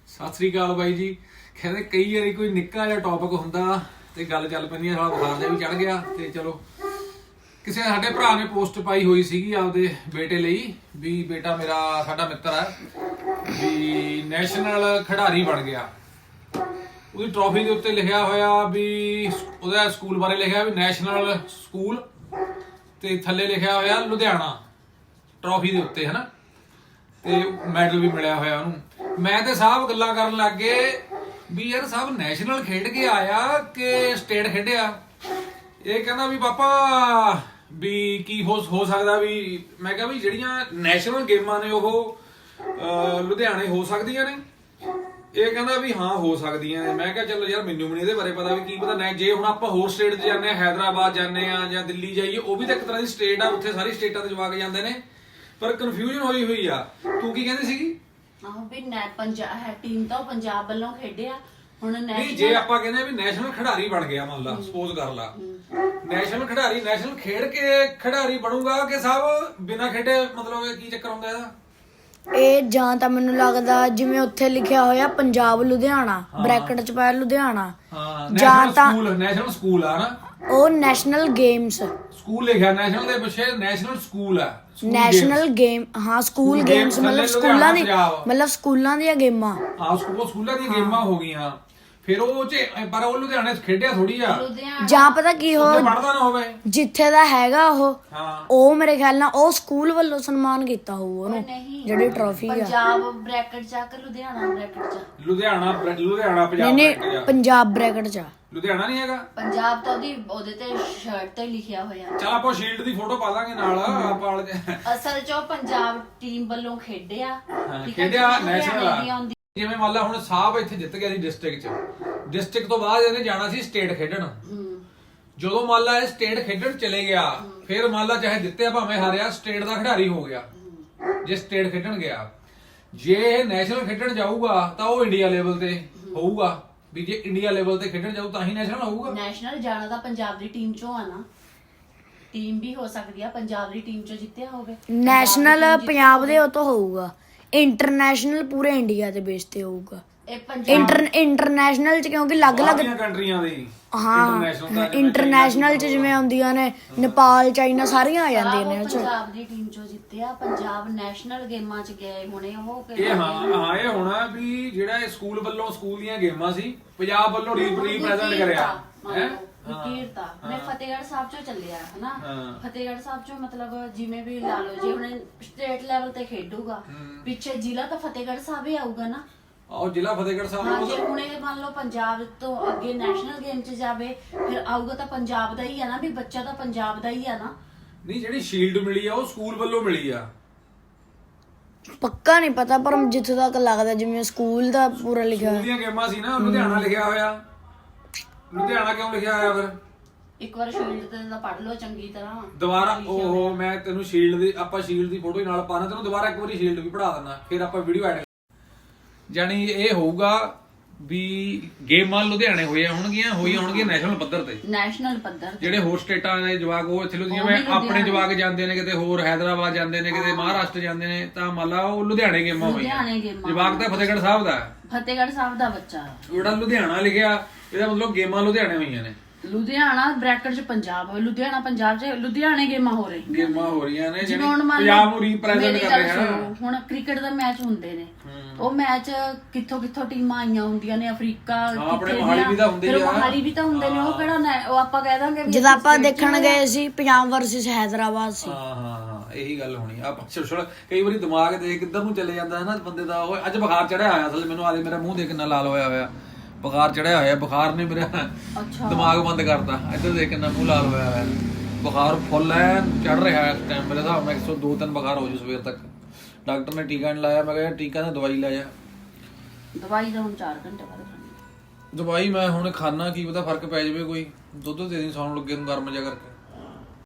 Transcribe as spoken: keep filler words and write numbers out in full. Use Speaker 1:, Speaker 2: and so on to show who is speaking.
Speaker 1: ਸਤਿ ਸ੍ਰੀ ਅਕਾਲ ਬਾਈ ਜੀ। ਕਹਿੰਦੇ ਕਈ ਵਾਰੀ ਕੋਈ ਨਿੱਕਾ ਜਿਹਾ ਟੌਪਿਕ ਹੁੰਦਾ ਤੇ ਗੱਲ ਚੱਲ ਪੈਂਦੀ ਹੈ, ਸਾਲਾ ਬੁਖਾਰ ਜਿਹਾ ਵੀ ਚੜ ਗਿਆ। ਤੇ ਚਲੋ ਕਿਸੇ ਸਾਡੇ ਭਰਾ ਨੇ ਪੋਸਟ ਪਾਈ ਹੋਈ ਸੀਗੀ ਆਪਦੇ ਬੇਟੇ ਲਈ ਵੀ ਬੇਟਾ ਮੇਰਾ ਸਾਡਾ ਮਿੱਤਰ ਹੈ ਵੀ ਨੈਸ਼ਨਲ ਖਿਡਾਰੀ ਬਣ ਗਿਆ। ਉਹਦੀ ਟਰੋਫੀ ਦੇ ਉੱਤੇ ਲਿਖਿਆ ਹੋਇਆ ਵੀ ਉਹਦਾ ਸਕੂਲ ਬਾਰੇ ਲਿਖਿਆ ਵੀ ਨੈਸ਼ਨਲ ਸਕੂਲ ਤੇ ਥੱਲੇ ਲਿਖਿਆ ਹੋਇਆ ਲੁਧਿਆਣਾ ਟਰੋਫੀ ਦੇ ਉੱਤੇ, ਹਨਾ, ਤੇ ਮੈਡਲ ਵੀ ਮਿਲਿਆ ਹੋਇਆ ਉਹਨੂੰ। ਮੈਂ ਤੇ ਸਾਹਿਬ ਗੱਲਾਂ ਕਰਨ ਲੱਗ ਗਏ ਵੀ ਯਾਰ ਸਾਹਿਬ ਨੈਸ਼ਨਲ ਖੇਡ ਕੇ ਆਇਆ ਕਿ ਸਟੇਟ ਖੇਡਿਆ। ਇਹ ਕਹਿੰਦਾ ਵੀ ਪਾਪਾ ਵੀ ਕੀ ਹੋ ਹੋ ਸਕਦਾ ਵੀ। ਮੈਂ ਕਿਹਾ ਵੀ ਜਿਹੜੀਆਂ ਨੈਸ਼ਨਲ ਗੇਮਾਂ ਨੇ ਉਹ ਲੁਧਿਆਣੇ ਹੋ ਸਕਦੀਆਂ ਨੇ। ਇਹ ਕਹਿੰਦਾ ਵੀ ਹਾਂ ਹੋ ਸਕਦੀਆਂ ਨੇ। ਮੈਂ ਕਿਹਾ ਚਲੋ ਯਾਰ ਮੈਨੂੰ ਵੀ ਨਹੀਂ ਇਹਦੇ ਬਾਰੇ ਪਤਾ ਵੀ ਕੀ ਪਤਾ ਨਾ। ਜੇ ਹੁਣ ਆਪਾਂ ਹੋਰ ਸਟੇਟ 'ਚ ਜਾਂਦੇ ਹਾਂ, ਹੈਦਰਾਬਾਦ ਜਾਂਦੇ ਆ ਜਾਂ ਦਿੱਲੀ ਜਾਈਏ, ਉਹ ਵੀ ਤਾਂ ਇੱਕ ਤਰ੍ਹਾਂ ਦੀ ਸਟੇਟ ਆ, ਉੱਥੇ ਸਾਰੀ ਸਟੇਟਾਂ ਦੇ ਜਵਾਕ ਜਾਂਦੇ ਨੇ। ਪਰ ਕਨਫਿਊਜ਼ਨ ਹੋਈ ਹੋਈ ਆ। ਤੂੰ ਕੀ ਕਹਿੰਦੀ ਸੀਗੀ?
Speaker 2: ਆਹੋ ਵੀ ਨੈ ਪੰਜਾਬ ਹੈ ਟੀਮ ਤਾਂ ਪੰਜਾਬ ਵੱਲੋਂ ਖੇਡਿਆ। ਹੁਣ
Speaker 1: ਨਹੀਂ ਜੇ ਆਪਾਂ ਕਹਿੰਦੇ ਆ ਵੀ ਨੈਸ਼ਨਲ ਖਿਡਾਰੀ ਬਣ ਗਿਆ, ਮੰਨ ਲਾ ਸਪੋਜ਼ ਕਰ ਲਾ ਨੈਸ਼ਨਲ ਖਿਡਾਰੀ ਨੈਸ਼ਨਲ ਖੇਡ ਕੇ ਖਿਡਾਰੀ ਬਣੂਗਾ ਕਿ ਸਾਹਿਬ ਬਿਨਾਂ ਖੇਡੇ, ਮਤਲਬ ਇਹ ਕੀ ਚੱਕਰ ਹੁੰਦਾ ਇਹਦਾ?
Speaker 3: ਇਹ ਜਾਂ ਤਾਂ ਮੈਨੂੰ ਲੱਗਦਾ ਜਿਵੇਂ ਉੱਥੇ ਲਿਖਿਆ ਹੋਇਆ ਪੰਜਾਬ ਲੁਧਿਆਣਾ ਬ੍ਰੈਕਟ ਚ ਪਾਇਆ ਲੁਧਿਆਣਾ,
Speaker 1: ਜਾਂ ਤਾਂ ਨੈਸ਼ਨਲ ਸਕੂਲ ਆ ਨਾ,
Speaker 3: ਉਹ ਨੈਸ਼ਨਲ ਗੇਮਸ
Speaker 1: ਸਕੂਲ ਲਿਖਿਆ ਨੈਸ਼ਨਲ ਦੇ ਪਿੱਛੇ ਨੈਸ਼ਨਲ ਸਕੂਲ ਆ।
Speaker 3: ਨੈਸ਼ਨਲ ਗੇਮ ਹਾਂ ਸਕੂਲ ਗੇਮਸ ਮਤਲਬ ਸਕੂਲਾਂ ਦੀ ਮਤਲਬ ਸਕੂਲਾਂ ਦੀਆਂ ਗੇਮਾਂ।
Speaker 1: ਹਾਂ ਸਕੂਲ ਸਕੂਲਾਂ ਦੀਆਂ ਗੇਮਾਂ ਹੋ ਗਈਆਂ। ਫਿਰ ਉਹ ਚ ਪਰ ਉਹ ਲੁਧਿਆਣੇ ਖੇਡਿਆ ਥੋੜੀ ਆ।
Speaker 3: ਜਾਂ ਪਤਾ ਕੀ ਹੋ
Speaker 1: ਪੜਦਾ ਨਾ ਹੋਵੇ
Speaker 3: ਜਿੱਥੇ ਦਾ ਹੈਗਾ ਉਹ ਉਹ ਮੇਰੇ ਖਿਆਲ ਨਾਲ ਉਹ ਸਕੂਲ ਵੱਲੋਂ ਸਨਮਾਨ ਕੀਤਾ ਹੋਊ ਉਹਨੂੰ ਜਿਹੜੀ ਟਰੋਫੀ ਆ।
Speaker 2: ਪੰਜਾਬ ਬ੍ਰੈਕਟ ਚ ਕਿ ਲੁਧਿਆਣਾ ਬ੍ਰੈਕਟ ਚ?
Speaker 1: ਲੁਧਿਆਣਾ ਲੁਧਿਆਣਾ ਪੰਜਾਬ
Speaker 3: ਨਹੀਂ ਪੰਜਾਬ ਬ੍ਰੈਕਟ ਚ।
Speaker 1: ਲੁਧਿਆਣਾ ਨਹੀਂ ਹੈਗਾ
Speaker 2: ਪੰਜਾਬ ਤਾਂ ਉਹਦੀ ਉਹਦੇ ਤੇ ਸ਼ਰਟ ਤੇ ਲਿਖਿਆ ਹੋਇਆ।
Speaker 1: ਚਲ ਆਪਾਂ ਸ਼ੀਲਡ ਦੀ ਫੋਟੋ ਪਾ ਦਾਂਗੇ ਨਾਲ ਆਪਾਂ।
Speaker 2: ਅਸਲ ਚ ਉਹ ਪੰਜਾਬ ਟੀਮ ਵੱਲੋਂ ਖੇਡਿਆ
Speaker 1: ਖੇਡਿਆ ਨੈਸ਼ਨਲ। ਜਿਵੇਂ ਮੰਨ ਲਾ ਹੁਣ ਸਾਹਿਬ ਇੱਥੇ ਜਿੱਤ ਗਿਆ ਸੀ ਡਿਸਟ੍ਰਿਕਟ ਚ, ਡਿਸਟ੍ਰਿਕਟ ਤੋਂ ਬਾਅਦ ਇਹਨੇ ਜਾਣਾ ਸੀ ਸਟੇਟ ਖੇਡਣ। ਜਦੋਂ ਮੰਨ ਲਾ ਇਹ ਸਟੇਟ ਖੇਡਣ ਚਲੇ ਗਿਆ, ਫਿਰ ਮੰਨ ਲਾ ਚਾਹੇ ਜਿੱਤਿਆ ਭਾਵੇਂ ਹਾਰਿਆ ਸਟੇਟ ਦਾ ਖਿਡਾਰੀ ਹੋ ਗਿਆ ਜੇ ਸਟੇਟ ਖੇਡਣ ਗਿਆ। ਜੇ ਇਹ ਨੈਸ਼ਨਲ ਖੇਡਣ ਜਾਊਗਾ ਤਾਂ ਉਹ ਇੰਡੀਆ ਲੈਵਲ ਤੇ ਹੋਊਗਾ ਵੀ ਜੇ ਇੰਡੀਆ ਲੈਵਲ ਤੇ ਖੇਡਣ ਜਾਊ ਤਾਂ ਹੀ ਨੈਸ਼ਨਲ ਹੋਊਗਾ।
Speaker 2: ਨੈਸ਼ਨਲ ਜਾਣਾ ਤਾਂ ਪੰਜਾਬ ਦੀ ਟੀਮ ਚੋਂ ਆ ਨਾ, ਟੀਮ ਵੀ ਹੋ ਸਕਦੀ ਆ ਪੰਜਾਬ ਦੀ ਟੀਮ ਚੋਂ ਜਿੱਤਿਆ ਹੋਵੇ।
Speaker 3: ਨੈਸ਼ਨਲ ਪੰਜਾਬ ਦੇ ਉਹ ਤੋਂ ਹੋਊਗਾ, ਇੰਟਰਨੈਸ਼ਨਲ ਪੂਰੇ ਇੰਡੀਆ ਦੇ ਬੇਸ ਤੇ ਹੋਊਗਾ। ਇੰਟਰ ਇੰਟਰਨੈਸ਼ਨਲ ਚ ਕਿਉਂਕਿ ਅਲੱਗ-ਅਲੱਗ
Speaker 1: ਕੰਟਰੀਆਂ ਦੇ
Speaker 3: ਹਾਂ ਇੰਟਰਨੈਸ਼ਨਲ ਚ ਜਿਵੇਂ ਆਉਂਦੀਆਂ ਨੇ ਨੇਪਾਲ ਚਾਈਨਾ ਸਾਰੀਆਂ ਆ ਜਾਂਦੀਆਂ ਨੇ।
Speaker 2: ਪੰਜਾਬ ਦੀ ਟੀਮ ਚੋਂ ਜਿੱਤਿਆ, ਪੰਜਾਬ ਨੈਸ਼ਨਲ ਗੇਮਾਂ ਚ ਗਏ ਹੁਣੇ ਉਹ।
Speaker 1: ਇਹ ਹਾਂ ਹਾਂ ਇਹ ਹੋਣਾ ਵੀ ਜਿਹੜਾ ਇਹ ਸਕੂਲ ਵੱਲੋਂ ਸਕੂਲ ਦੀਆਂ ਗੇਮਾਂ ਸੀ ਪੰਜਾਬ ਵੱਲੋਂ ਰੀਪ੍ਰੈਜ਼ੈਂਟ ਕਰਿਆ ਹੈ।
Speaker 2: ਵਿਕੀਰਤਾ ਮੈਂ ਫਤਿਹਗੜ੍ਹ ਸਾਹਿਬ ਚੋਂ ਚੱਲਿਆ ਹਨਾ। ਫਤਿਹਗੜ੍ਹ ਸਾਹਿਬ ਚੋਂ ਮਤਲਬ ਜਿਵੇਂ ਵੀ ਲਾ ਲਓ ਜੇ ਹੁਣ ਸਟੇਟ ਲੈਵਲ ਤੇ ਖੇਡੂਗਾ, ਪਿੱਛੇ ਜ਼ਿਲ੍ਹਾ ਤਾਂ ਫਤਿਹਗੜ੍ਹ ਸਾਹਿਬ ਹੀ ਆਊਗਾ ਨਾ।
Speaker 1: ਆਹ ਜ਼ਿਲ੍ਹਾ ਫਤਿਹਗੜ੍ਹ ਸਾਹਿਬ।
Speaker 2: ਹਾਂ ਜੇ ਹੁਣ ਇਹ ਮੰਨ ਲਓ ਪੰਜਾਬ ਤੋਂ ਅੱਗੇ ਨੈਸ਼ਨਲ ਗੇਮ ਚ ਜਾਵੇ ਫਿਰ ਆਊਗਾ ਤਾਂ ਪੰਜਾਬ ਦਾ ਹੀ ਆ ਨਾ, ਵੀ ਬੱਚਾ ਤਾਂ ਪੰਜਾਬ ਦਾ ਹੀ ਆ ਨਾ।
Speaker 1: ਨਹੀਂ ਜਿਹੜੀ ਸ਼ੀਲਡ ਮਿਲੀ ਆ ਉਹ ਸਕੂਲ ਵੱਲੋਂ ਮਿਲੀ ਆ।
Speaker 3: ਪੱਕਾ ਨਹੀਂ ਪਤਾ ਪਰ ਜਿੱਥੇ ਤੱਕ ਲੱਗਦਾ ਜਿਵੇਂ ਸਕੂਲ ਦਾ ਪੂਰਾ ਲਿਖਿਆ ਹੋਇਆ।
Speaker 1: ਸਕੂਲ ਦੀਆਂ ਗੇਮਾਂ ਸੀ ਨਾ, ਲੁਧਿਆਣਾ ਲਿਖਿਆ ਹੋਇਆ। ਲੁਧਿਆਣਾ ਕਿਉਂ ਲਿਖਿਆ ਹੋਇਆ ਫਿਰ?
Speaker 2: ਇੱਕ ਵਾਰ ਸ਼ੀਲਡ ਤੇ ਤਾਂ ਪੜ੍ਹ ਲਓ ਚੰਗੀ ਤਰ੍ਹਾਂ
Speaker 1: ਦੁਬਾਰਾ। ਉਹ ਮੈਂ ਤੈਨੂੰ ਸ਼ੀਲਡ ਦੀ ਆਪਾਂ ਸ਼ੀਲਡ ਦੀ ਫੋਟੋ ਨਾਲ ਪਾਣਾ, ਤੈਨੂੰ ਦੁਬਾਰਾ ਇੱਕ ਵਾਰੀ ਸ਼ੀਲਡ ਵੀ ਪੜਾ ਦਿੰਦਾ, ਫਿਰ ਆਪਾਂ ਵੀਡੀਓ ਐਡ। ਜਾਨੀ ਇਹ ਹੋਊਗਾ ਵੀ ਗੇਮਾਂ ਲੁਧਿਆਣੇ ਹੋਈਆਂ ਹੋਣਗੀਆਂ ਹੋਈਆਂ ਹੋਣਗੀਆਂ ਨੈਸ਼ਨਲ ਪੱਧਰ ਤੇ।
Speaker 2: ਨੈਸ਼ਨਲ ਪੱਧਰ
Speaker 1: ਜਿਹੜੇ ਹੋਰ ਸਟੇਟਾਂ ਦੇ ਜਵਾਕ ਉਹ ਇੱਥੇ ਜਿਵੇਂ ਆਪਣੇ ਜਵਾਕ ਜਾਂਦੇ ਨੇ ਕਿਤੇ ਹੋਰ ਹੈਦਰਾਬਾਦ ਜਾਂਦੇ ਨੇ ਕਿਤੇ ਮਹਾਰਾਸ਼ਟਰ ਜਾਂਦੇ ਨੇ, ਤਾਂ ਮੰਨ ਲਾ ਉਹ ਲੁਧਿਆਣੇ ਗੇਮਾਂ ਹੋਈਆਂ। ਜਵਾਕ ਤਾਂ ਫਤਿਹਗੜ੍ਹ ਸਾਹਿਬ ਦਾ
Speaker 2: ਫਤਿਹਗੜ੍ਹ ਸਾਹਿਬ ਦਾ ਬੱਚਾ
Speaker 1: ਜਿਹੜਾ ਲੁਧਿਆਣਾ ਲਿਖਿਆ ਇਹਦਾ ਮਤਲਬ ਗੇਮਾਂ ਲੁਧਿਆਣੇ ਹੋਈਆਂ ਨੇ।
Speaker 2: ਲੁਧਿਆਣਾ ਬ੍ਰੈਕਟ ਚ ਪੰਜਾਬ ਹੋਵੇ, ਲੁਧਿਆਣਾ ਪੰਜਾਬ ਚ ਲੁਧਿਆਣੇ ਗੇਮਾਂ ਹੋ ਰਹੀਆਂ
Speaker 1: ਗੇਮਾਂ ਹੋ ਰਹੀਆਂ ਨੇ
Speaker 2: ਜਿਵੇਂ ਹੁਣ
Speaker 1: ਪੰਜਾਬ ਨੂੰ ਰੀਪ੍ਰੈਜ਼ੈਂਟ ਕਰ ਰਹੇ ਹਨ।
Speaker 2: ਹੁਣ ਕ੍ਰਿਕਟ ਦਾ ਮੈਚ ਹੁੰਦੇ ਨੇ, ਉਹ ਮੈਚ ਕਿੱਥੋਂ ਕਿੱਥੋਂ ਟੀਮਾਂ ਆਈਆਂ ਹੁੰਦੀਆਂ ਨੇ, ਅਫਰੀਕਾ ਕਿੱਥੇ ਦੀਆਂ, ਫਿਰ ਮੋਹਾਲੀ ਵੀ ਤਾਂ ਹੁੰਦੇ ਨੇ। ਉਹ ਕਿਹੜਾ ਉਹ ਆਪਾਂ ਕਹਿ ਦਾਂਗੇ
Speaker 3: ਜਦ ਆਪਾਂ ਦੇਖਣ ਗਏ ਸੀ ਪੰਜਾਬ ਵਰਸਸ ਹੈਦਰਾਬਾਦ ਸੀ।
Speaker 1: ਹਾਂ ਹਾਂ ਹਾਂ ਇਹੀ ਗੱਲ ਹੋਣੀ ਆ। ਆਪਾਂ ਕਈ ਵਾਰੀ ਦਿਮਾਗ ਦੇ ਕਿੱਧਰ ਨੂੰ ਚਲੇ ਜਾਂਦਾ ਹੈ ਨਾ ਬੰਦੇ ਦਾ। ਉਹ ਅੱਜ ਬੁਖਾਰ ਚੜਿਆ ਹੋਇਆ ਅਸਲ ਮੈਨੂੰ, ਆਦੇ ਮੇਰਾ ਮੂੰਹ ਦੇਖ ਕਿੰਨਾ ਲਾਲ ਹੋਇਆ ਹੋਇਆ, ਬੁਖਾਰ ਚੜਿਆ ਹੋਇਆ। ਬੁਖਾਰ ਨੇ ਮੇਰਾ ਦਿਮਾਗ ਬੰਦ ਕਰਤਾ। ਇੱਧਰ ਦੇਖ ਕਿੰਨਾ ਮੂੰਹ ਲਾਲ ਹੋਇਆ ਹੋਇਆ, ਬੁਖਾਰ ਫੁੱਲ ਐ ਚੜ ਰਿਹਾ ਇਸ ਟਾਈਮ। ਮੇਰੇ ਹਿਸਾਬ ਨਾਲ ਇੱਕ ਸੌ ਦੋ ਤਿੰਨ ਬੁਖਾਰ ਹੋ ਜੂ ਸਵੇਰ ਤੱਕ। ਡਾਕਟਰ ਨੇ ਟੀਕਾ ਨਹੀਂ ਲਾਇਆ, ਮੈਂ ਕਿਹਾ ਟੀਕਾ ਤਾਂ ਦਵਾਈ ਲੈ ਜਾ।
Speaker 2: ਦਵਾਈ ਤਾਂ ਹੁਣ ਚਾਰ ਘੰਟੇ ਬਾਅਦ ਖਾਣੀ।
Speaker 1: ਦਵਾਈ ਮੈਂ ਹੁਣ ਖਾਣਾ, ਕੀ ਪਤਾ ਫਰਕ ਪੈ ਜਾਵੇ ਕੋਈ। ਦੁੱਧ ਦੇ ਦੀ ਸੌਣ ਲੱਗੇ ਨੂੰ ਗਰਮ ਜਿਹਾ ਕਰਕੇ।